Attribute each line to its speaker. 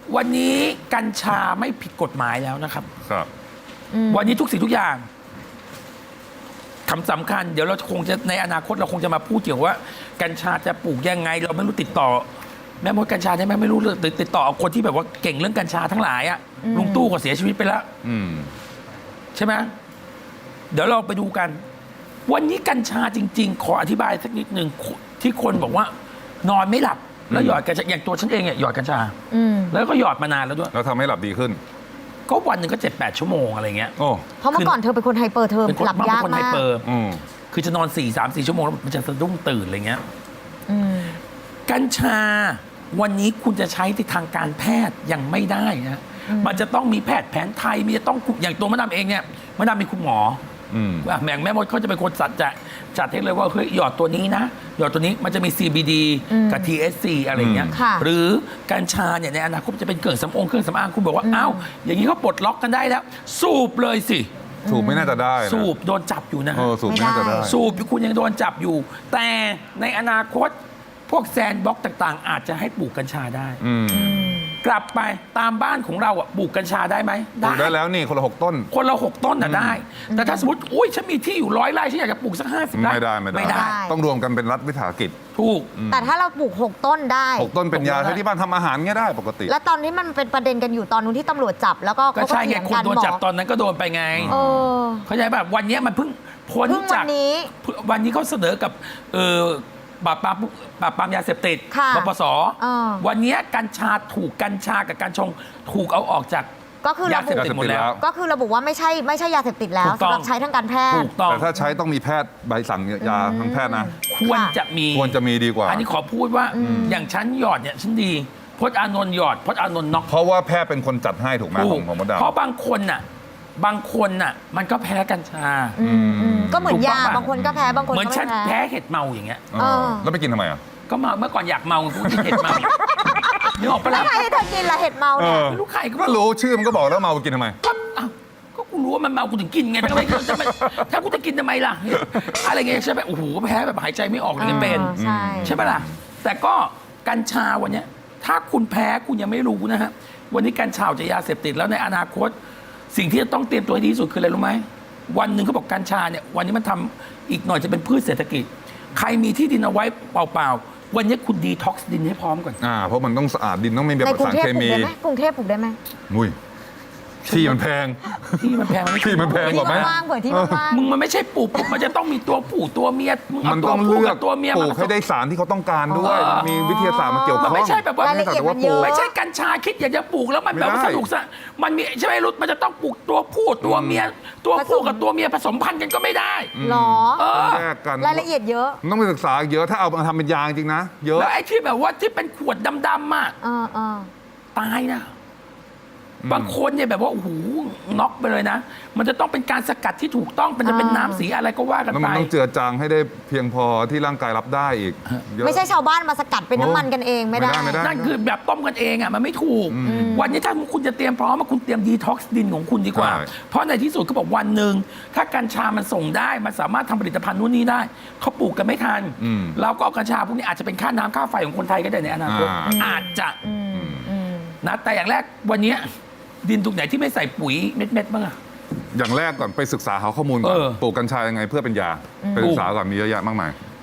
Speaker 1: วันนี้กัญชาไม่ผิดกฎหมายแล้วนะครับ
Speaker 2: ครับ
Speaker 1: วันนี้ทุกสิ่งทุกอย่างคำสำคัญเดี๋ยวเราคงจะในอนาคตเราคงจะมาพูดเกี่ยวว่ากัญชาจะปลูกยังไง เราไม่รู้ติดต่อ แม่มดกัญชาได้ไหมไม่รู้เลยติดต่อเอาคนที่แบบว่าเก่งเรื่องกัญชาทั้งหลายอะลุงตู้ก็เสียชีวิตไปแล้วใช่ไหมเดี๋ยวเราไปดูกัน วันนี้กัญชาจริง ๆ ขออธิบายสักนิดหนึ่งที่คนบอกว่านอนไม่หลับแล้วหยอดกัญชาอย่างตัวฉันเองเนี่ยหยอดกัญชาแล้วก็หยอดมานานแล้วด้วย
Speaker 2: แล้วทำให้หลับดีขึ้น
Speaker 1: ก็วันหนึ่งก็7-8 ชั่วโมงอะไรเงี้ย
Speaker 3: เพราะเมื่อก่อนเธอเป็นคนไฮเปอร์เธอหลับยากมาก
Speaker 1: คือจะนอน3-4 ชั่วโมงแล้วมันจะสะดุ้งตื่นอะไรเงี้ยกัญชาวันนี้คุณจะใช้ในทางการแพทย์ยังไม่ได้นะมันจะต้องมีแพทย์แผนไทยมีจะต้องอย่างตัวมะดามเองเนี่ยมะดามมีคุณหมอแม่มดเขาจะเป็นคนจัดให้เลยว่าเฮ้ยหยอดตัวนี้นะหยอดตัวนี้มันจะมี CBD กับ THC อะไรเงี้ยหรือกัญชาเนี่ยในอนาคตจะเป็นเครื่องสำอางคุณบอกว่าอ้าวอย่างนี้เขาปลดล็อกกันได้แล้วสูบเลยสิ
Speaker 2: สูบไม่น่าจะได้
Speaker 1: สูบโดนจับอยู่นะ
Speaker 2: สูบไม่น่าจะได้
Speaker 1: สูบคุณยังโดนจับอยู่แต่ในอนาคตพวกแซนด์บ็อกซ์ต่างๆอาจจะให้ปลูกกัญชาได้กลับไปตามบ้านของเราปลูกกัญชาได้ไหม
Speaker 2: ปลูกได้แล้วนี่คนละ6 ต้น
Speaker 1: คนละ6 ต้นน่ะได้แต่ถ้าสมมติอุ้ยฉันมีที่อยู่100 ไร่ฉันอยากจะปลูกสัก50 ไร่
Speaker 2: ไม่ได้ต้องรวมกันเป็นรัฐวิสาหกิจ
Speaker 1: ถูก
Speaker 3: แต่ถ้าเราปลูก6 ต้นได้
Speaker 2: 6 ต้นเป็นยาที่บ้านทำอาหารเงี้ยได้ปกติ
Speaker 3: แล้วตอนนี้มันเป็นประเด็นกันอยู่ตอนนู้นที่ตำรวจจับแล้วก็
Speaker 1: ใช่ไงคนโดนจับตอนนั้นก็โดนไปไงเข้าใจแบบวันนี้มันเพิ่งพ้นจากวันนี้เขาเสนอกับปราบปรามยาเสพติดปปสวันนี้กัญชากัญชากับกัญชงถูกเอาออกจากยาเสพติดหมดแล้ว
Speaker 3: ก็คือระบุว่าไม่ใช่ยาเสพติดแล้วสำหรับใช้ทางการแพทย์
Speaker 2: แต่ถ้าใช้ต้องมีแพทย์ใบสั่งยาทางแพทย์นะ
Speaker 1: ควรจะมี
Speaker 2: ดีกว่า
Speaker 1: อันนี้ขอพูดว่าอย่างฉันหยอดเนี่ยฉันดีพจน์อานนท์หยอดพจน์อานนท์น็อก
Speaker 2: เพราะว่าแพทย์เป็นคนจัดให้ถูกไหมของมดดำ
Speaker 1: เพราะบางคนน่ะมันก็แพ้กัญชา
Speaker 3: ก็เหมือนยาบางคนก็แพ้บางคนก็
Speaker 1: เหมือนฉันแพ้เห็ดเมาอย่างเงี้ย
Speaker 2: แล้วไปกินทำไม
Speaker 1: ก็เมาเมื่อก่อนอยากเมากูกินเห็ดเมานึกออกปะล่ะ
Speaker 3: ใครให้เธอกินละเห็ดเมาเนี่ย
Speaker 1: ไม่รู้ใคร
Speaker 2: ก็รู้ชื่อมันก็บอกแล้วเมากินทำไม
Speaker 1: ก็กูรู้ว่ามันเมากูถึงกินไงถ้ากูจะกินทำไมล่ะอะไรเงี้ยใช่ไหมโอ้โหแพ้แบบหายใจไม่ออกเลยเป็นใช่ปะล่ะแต่ก็กัญชาวันนี้ถ้าคุณแพ้คุณยังไม่รู้นะฮะวันนี้กัญชาจะยาเสพติดแล้วในอนาคตสิ่งที่จะต้องเตรียมตัวให้ดีที่สุดคืออะไรรู้ไหมวันหนึ่งเขาบอกกัญชาเนี่ยวันนี้มันทำอีกหน่อยจะเป็นพืชเศรษฐกิจใครมีที่ดินเอาไว้เปล่าๆวันนี้คุณดีท็อกซ์ดินให้พร้อมก่อน
Speaker 2: เพราะมันต้องสะอาดดินต้องไม่มีสารเคมี
Speaker 3: กรุงเทพปลูกได้ไหม
Speaker 2: มุ้ยที่มันแพง
Speaker 1: ที่มันแพง
Speaker 2: กว่าไหม
Speaker 1: มึงมันไม่ใช่ปลูกมันจะต้องมีตัวผู้ตัวเมีย
Speaker 2: มันต้องเลือกตัวเมียปลูกให้ได้สารที่เขาต้องการด้วยมีวิทยาศาสตร์มาเกี่ยวข้อง
Speaker 1: ไม่ใช่แบบว่าไม่ใช่กัญชาคิดอยากจะปลูกแล้วมันแบบสนุกซะมันมีใช่ไหมรุดมันจะต้องปลูกตัวผู้ตัวเมียตัวผู้กับตัวเมียผสมพันธุ์กันก็ไม่ได้
Speaker 3: หรอ
Speaker 2: แยกกัน
Speaker 3: รายละเอียดเยอะ
Speaker 2: ต้องไปศึกษาเยอะถ้าเอามาทำเป็นยาจริงนะเยอะ
Speaker 1: แล้วไอ้ที่แบบว่าที่เป็นขวดดำๆอ่ะตายนะบางคนเนี่ยแบบว่าโอ้โหน็อกไปเลยนะมันจะต้องเป็นการสกัดที่ถูกต้องมันจะเป็นน้ำสีอะไรก็ว่ากันไป
Speaker 2: มันต้องเจือจางให้ได้เพียงพอที่ร่างกายรับได้อีก
Speaker 3: ไม่ใช่ชาวบ้านมาสกัดเป็นน้ำมันกันเองไม่ได้
Speaker 1: นั่นคือแบบต้มกันเองอ่ะมันไม่ถูกวันนี้ถ้าคุณจะเตรียมพร้อมคุณเตรียมดีท็อกซ์ดินของคุณดีกว่าเพราะในที่สุดเขาบอกวันหนึ่งถ้ากัญชามันส่งได้มันสามารถทำผลิตภัณฑ์นู่นนี่ได้เขาปลูกกันไม่ทันเราก็เอากัญชาพวกนี้อาจจะเป็นค่าน้ำค่าไฟของคนไทยก็ได้ในอนาคตอาจจะนะแต่อย่างแรกวันนี้ดินตรงไหนที่ไม่ใส่ปุ๋ยเม็ดบ้างอะ
Speaker 2: อย่างแรกก่อนไปศึกษาหาข้อมูลก่อนปลูกกัญชายังไงเพื่อเป็นยาไปศึกษาก่อนมีเยอะแยะมากมาย